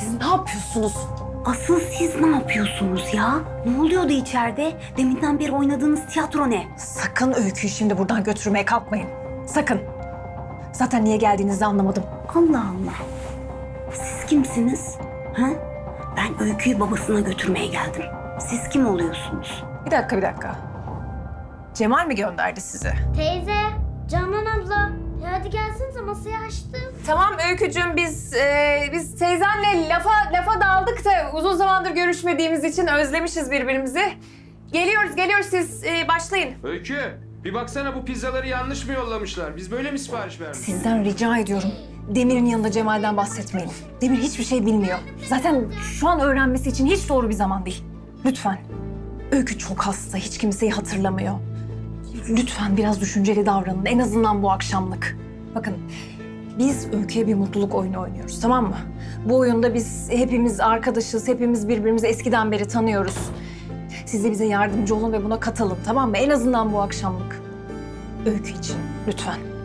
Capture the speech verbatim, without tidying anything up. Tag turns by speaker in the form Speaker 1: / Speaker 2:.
Speaker 1: Siz ne yapıyorsunuz?
Speaker 2: Asıl siz ne yapıyorsunuz ya? Ne oluyordu içeride? Deminden beri oynadığınız tiyatro ne?
Speaker 1: Sakın Öykü'yü şimdi buradan götürmeye kalkmayın. Sakın. Zaten niye geldiğinizi anlamadım.
Speaker 2: Allah Allah. Siz kimsiniz? Ha? Ben Öykü'yü babasına götürmeye geldim. Siz kim oluyorsunuz?
Speaker 1: Bir dakika, bir dakika. Cemal mi gönderdi sizi?
Speaker 3: Teyze, Canan abla. Ya hadi gelsenize, masayı açtım.
Speaker 1: Tamam Öykücüğüm, biz e, biz teyzenle lafa lafa daldık da uzun zamandır görüşmediğimiz için özlemişiz birbirimizi. Geliyoruz, geliyoruz. Siz e, başlayın.
Speaker 4: Öykü, bir baksana bu pizzaları yanlış mı yollamışlar? Biz böyle mi sipariş vermişiz?
Speaker 1: Sizden rica ediyorum. Demir'in yanında Cemal'den bahsetmeyin. Demir hiçbir şey bilmiyor. Zaten şu an öğrenmesi için hiç doğru bir zaman değil. Lütfen. Öykü çok hasta, hiç kimseyi hatırlamıyor. Lütfen biraz düşünceli davranın, en azından bu akşamlık. Bakın, biz Öykü'ye bir mutluluk oyunu oynuyoruz, tamam mı? Bu oyunda biz hepimiz arkadaşız, hepimiz birbirimizi eskiden beri tanıyoruz. Siz de bize yardımcı olun ve buna katılın, tamam mı? En azından bu akşamlık. Öykü için, lütfen.